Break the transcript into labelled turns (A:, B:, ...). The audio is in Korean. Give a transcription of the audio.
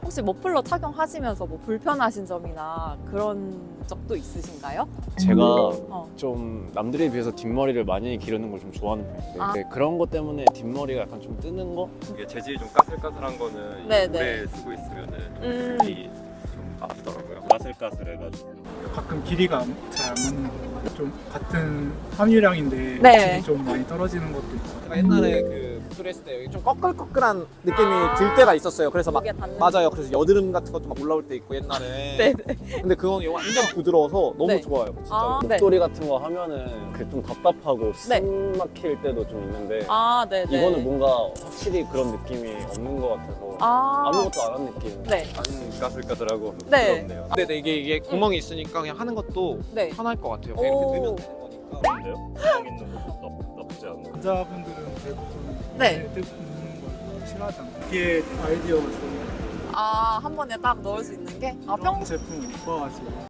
A: 혹시 머플러 착용하시면서 뭐 불편하신 점이나 그런 적도 있으신가요?
B: 제가
A: 어.
B: 좀 남들에 비해서 뒷머리를 많이 기르는 걸 좀 좋아하는 편인데
A: 아.
B: 네, 그런 것 때문에 뒷머리가 약간 좀 뜨는 거?
C: 이게 재질이 좀 까슬까슬한 거는
A: 네,
C: 오래 쓰고 있으면은
A: 음.
C: 좀 아프더라고요.
D: 까슬까슬해가지고
E: 가끔 길이가 잘 안 맞는 거. 좀 같은 함유량인데
A: 네.
E: 질이 좀 많이 떨어지는 것도 있고.
F: 제가 옛날에 그 수술했을 때 여기 좀 꺼끌꺼끌한 느낌이 들 때가 있었어요. 그래서 막
A: 목에 닿는
F: 맞아요. 그래서 여드름 같은 것도 막 올라올 때 있고 옛날에.
A: 네네.
F: 근데 그건 완전 부드러워서 너무
A: 네.
F: 좋아요. 진짜.
A: 아, 네.
B: 목도리 같은 거 하면은 그 좀 답답하고
A: 네.
B: 숨 막힐 때도 좀 있는데
A: 아, 네네.
B: 이거는 뭔가 확실히 그런 느낌이 없는 것 같아서 아무것도 안 한 느낌.
A: 네.
C: 안 까슬까슬하고
A: 네.
C: 부드럽네요.
F: 근데 이게 구멍이 있으니까 그냥 하는 것도
A: 네.
F: 편할 것 같아요.
A: 오.
F: 그냥 이렇게 넣으면 되는 거니까.
D: 근데요? 구멍 있는 것도 나쁘지 않아요.
E: 남자분들은 대부분
A: 네.
E: 뜯는 걸 싫어하잖아요. 이게 아이디어가 좋아요.
A: 아, 한 번에 딱 넣을 수 있는 게? 아,
E: 이런 제품 못 봐가지고.